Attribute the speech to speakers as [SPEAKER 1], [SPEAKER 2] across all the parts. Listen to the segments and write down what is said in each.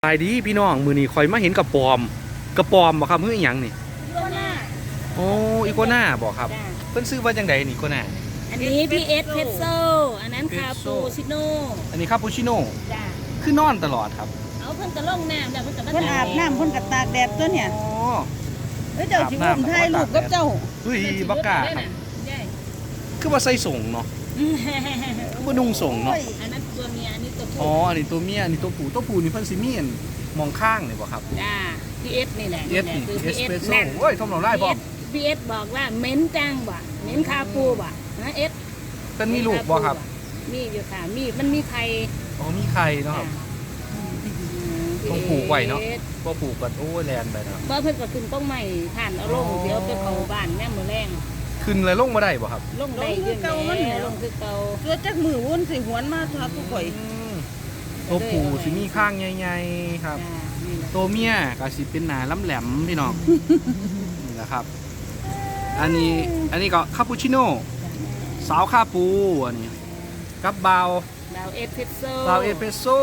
[SPEAKER 1] ไปดีพี่น้องมือนี้คอยมาเห็นกระปอมบ่ครับเฮ้ยอย่างนี่
[SPEAKER 2] อีโกน่า
[SPEAKER 1] โอ้อีโกน่าบอกครับ
[SPEAKER 2] จ้ะ
[SPEAKER 1] เพิ่นซื้อว่าจังไดนี่อีโกน่า
[SPEAKER 2] อันนี้พีเอสเพชโซอันนั้นคาปูชิโน่
[SPEAKER 1] อันนี้คาปูชิโน่
[SPEAKER 2] จ้ะ
[SPEAKER 1] คือนอนตลอดครับ
[SPEAKER 2] เอาเพิ่นกระล่องน้ำแล้วเพิ่นกระ
[SPEAKER 3] เพิ่นอาบน้ำเพิ่นกระตากแดดตัวเนี่ย
[SPEAKER 1] อ๋อ
[SPEAKER 3] เจ้าสิอุ้มถ่ายรูปกับเจ้า
[SPEAKER 1] เฮ้ยบักกาครับคือว่าใส่ส่งเนาะคือว่านุ่งส่งเนาะ
[SPEAKER 2] อันนั้นตัวเมียอันนี้ตัวผู้
[SPEAKER 1] อ๋ออันนี้ตัวเมียอันนี้ตัวผู้นี่เพิ่นสิมีอันมองข้างนี่บ่ครับ
[SPEAKER 2] จ้าพีเอสนี่แหละ
[SPEAKER 1] เอส
[SPEAKER 2] คือ
[SPEAKER 1] เอ
[SPEAKER 2] พี
[SPEAKER 1] ส
[SPEAKER 2] เอส
[SPEAKER 1] เปรสโซ่
[SPEAKER 2] นั่น
[SPEAKER 1] โอ้ยทมเราได้บ่
[SPEAKER 2] พีเอสบอกว่าเหม็นจังบ่เหม็นคาปูบ่นะเอส
[SPEAKER 1] เพิ่นมีลูกบ่ครับ
[SPEAKER 2] มีอยู่ค่ะมันมีไข่
[SPEAKER 1] อ๋อมีไข่เนาะครับต้องปลูกไว้เนาะบ่ปลูกก็โอ้ยแลนไปเนาะ
[SPEAKER 2] บ่เพิ่นก็ขึ้นต้องใหม่ท่านเอาลงเดี๋ยวไปเข้าบ้านแม่มื้อแรง
[SPEAKER 1] ขึ้นเลยลงมาได้บ่ครับ
[SPEAKER 2] ลงได้อยู่แม่ลงคือเก่า
[SPEAKER 3] ตัวจักมือวุ่นสิหวนมาทักทุกข่อย
[SPEAKER 1] ตัวผู้สิมีข้างใหญ่ๆครับตัวเมียก็สิเป็นหนาล้ำแหลมพี่น้องนี่แหละครับอันนี้ก็คาปูชิโน่สาวคาปูอันนี้กับบาว
[SPEAKER 2] เอสเพรสโซ่
[SPEAKER 1] บาวเอสเปรสโซ่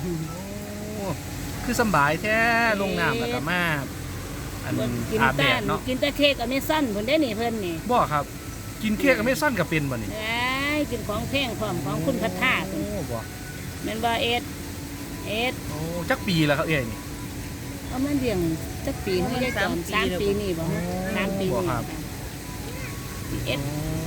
[SPEAKER 1] คือสบายแท้ลงน้ำแล้วก็มาอันอาบแดดเนาะ
[SPEAKER 2] กินแต่เค้กกับเมซันเพิ่นได้นี่เพิ่นนี่
[SPEAKER 1] บ่ครับกินเค้กกับไม่สั้นกับเป็นบ่นี่
[SPEAKER 2] กินของแพงพร้อมของคุณพัฒนา
[SPEAKER 1] โอ้บ่
[SPEAKER 2] แม่นบ่เอส
[SPEAKER 1] โอ้จักปีแล้วครับเอ้ยนี่
[SPEAKER 2] เอามันเลี้ยงจักปีเฮาได้ก่อน3 ปีนี่บ่3 ปีนี่
[SPEAKER 1] ครับ
[SPEAKER 2] เอส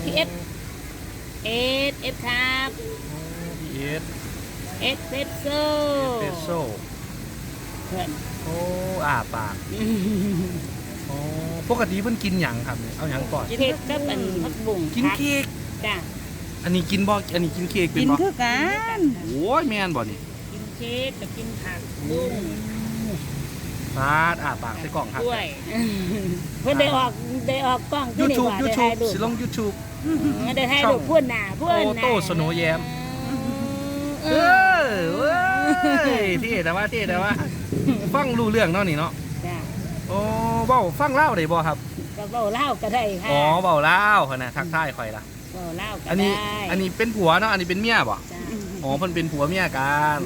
[SPEAKER 2] ครับ
[SPEAKER 1] เอส
[SPEAKER 2] เพรสโซ่เพิ่น
[SPEAKER 1] โอ้ปากโอ้ปกติเพิ่นกินหยังครับเอาหยังก่อน
[SPEAKER 2] เค้กกับอันผักบุ้ง
[SPEAKER 1] กินเค้ก
[SPEAKER 2] จ้ะ
[SPEAKER 1] อันนี้กินบ่อันนี้กินเค้กเป็นบ่
[SPEAKER 3] กินคือกัน
[SPEAKER 1] โอ้ยแม่นบ่นี่
[SPEAKER 2] กินเค้กกับกินผักบุ้ง
[SPEAKER 1] ปาดปากใส่กล่องครับ
[SPEAKER 2] ด้วยเพิ่นได้ออกกล้องที่นี่ว่าได้ถ่ายรูป
[SPEAKER 1] สิลง YouTube
[SPEAKER 2] ได้ถ่ายรูปพุ่นน่ะโต
[SPEAKER 1] โต้สโนว์แยมเว้ยที่แต่ว่าฟังรู้เรื่องเนาะนี่เนาะ
[SPEAKER 2] จ้ะ
[SPEAKER 1] โอ้เว้าฟังเล่าได้บ่ครับ
[SPEAKER 2] ก็เว้าลาวก็ได้ค่ะ
[SPEAKER 1] อ๋อเว้าลาวคั่นน่ะทักทายข่อยล่ะ
[SPEAKER 2] เว้าลาวก็ได้
[SPEAKER 1] อันนี้เป็นผัวเนาะอันนี้เป็นเมียบ่อ๋อเพิ่นเป็นผัวเมียกัน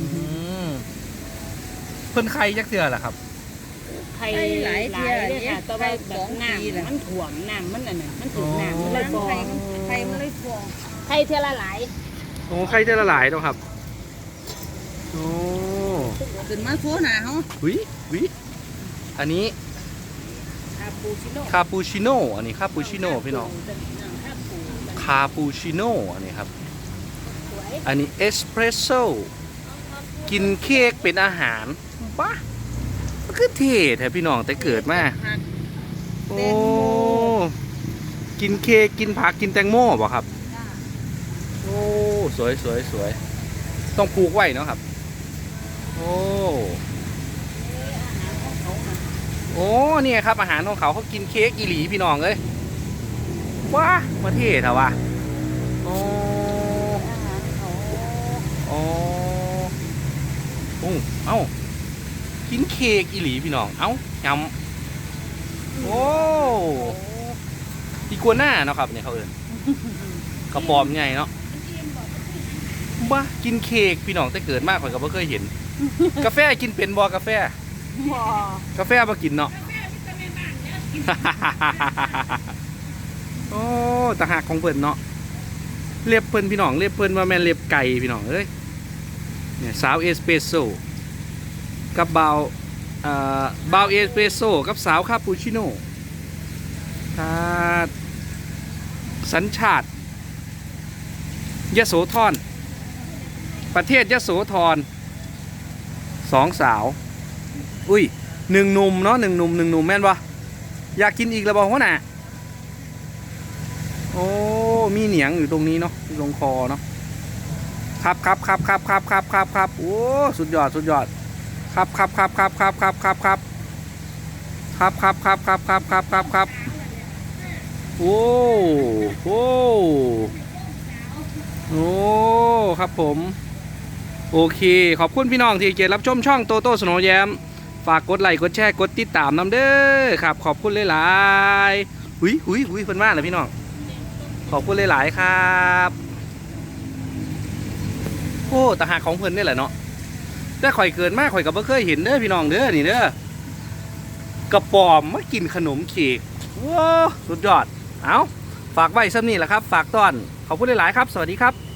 [SPEAKER 1] เพิ่นใครจักเทื่อล่ะครับ
[SPEAKER 2] ไข่หลายเทื่อเด้ค่ะแต่ว่าแบบน้ำมันถ่วงน้ำมันนั่นน่ะมันถูกน้ำมันเลยฟอง
[SPEAKER 3] ไข่มันเลยฟอง
[SPEAKER 2] ไข่เทื่อละหลาย
[SPEAKER 1] โอ้ไข่เทื่อละหลายเนาะครับโอ้
[SPEAKER 3] ขึ้นมาโซหน้าเฮา
[SPEAKER 1] วิอันนี้คาปูชิโน่อันนี้คาปูชิโน่พี่น้องคาปูชิโน่อันนี้ครับอันนี้เอสเปรสโซ่กินเค้กเป็นอาหารปะมันคือเท่แท้พี่น้องแต่เกิดมาโอ้กินเค้กกินผักกินแตงโมบ่ครับโอ้สวยต้องปลูกไว้เนาะครับโอ้นี่ครับอาหารของเขากินเค้กอีหลีพี่น้องเลยว้ามาเท่เถอะวะโอ้เอ้ากินเค้กอีหลีพี่น้องเอ้ายำโอ้อีกัวหน้าเนาะครับเนี่ยเขากระป๋อมใหญ่เนาะบ้ากินเค้กพี่น้องแต่เกิดมากกว่าก็ไม่เคยเห็นกาแฟกินเป็นบ่กาแฟบ่กินเนาะโอ้ตะหักของเพิ่นเนาะเล็บเพิ่นพี่น้องเล็บเพิ่นว่าแม่นเล็บไก่พี่น้องเอ้ยเนี่ยสาวเอสเปรสโซ่กับบาวเอสเปรสโซ่กับสาวคาปูชิโน่สัญชาติยโสธรประเทศยโสธร2 สาวอุ้ย1 หนุ่มเนาะ1 หนุ่มแม่นวะอยากกินอีกแล้วบอกว่าน่ะโอ้มีเหนียงอยู่ตรงนี้เนาะตรงคอเนาะครับโอ้สุดยอดครับโอ้ครับผมโอเคขอบคุณพี่น้องที่เกียรติรับชมช่องโตโต้สโนว์แยมฝากกดไลค์กดแชร์กดติดตามน้ำเด้อครับขอบคุณหลายๆหุยเพิ่นมากเลยพี่น้องขอบคุณหลายๆครับโอ้ตะหากของเพิ่นนี่แหละเนาะแต่ข่อยเกินมากข่อยก็บ่เคยเห็นเด้อพี่น้องเด้อนี่เด้อกระป๋อมมากินขนมเค้กว้าสุดยอดเอาฝากไว้ซ้ำนี่แหละครับฝากต้อนขอบคุณหลายๆครับสวัสดีครับ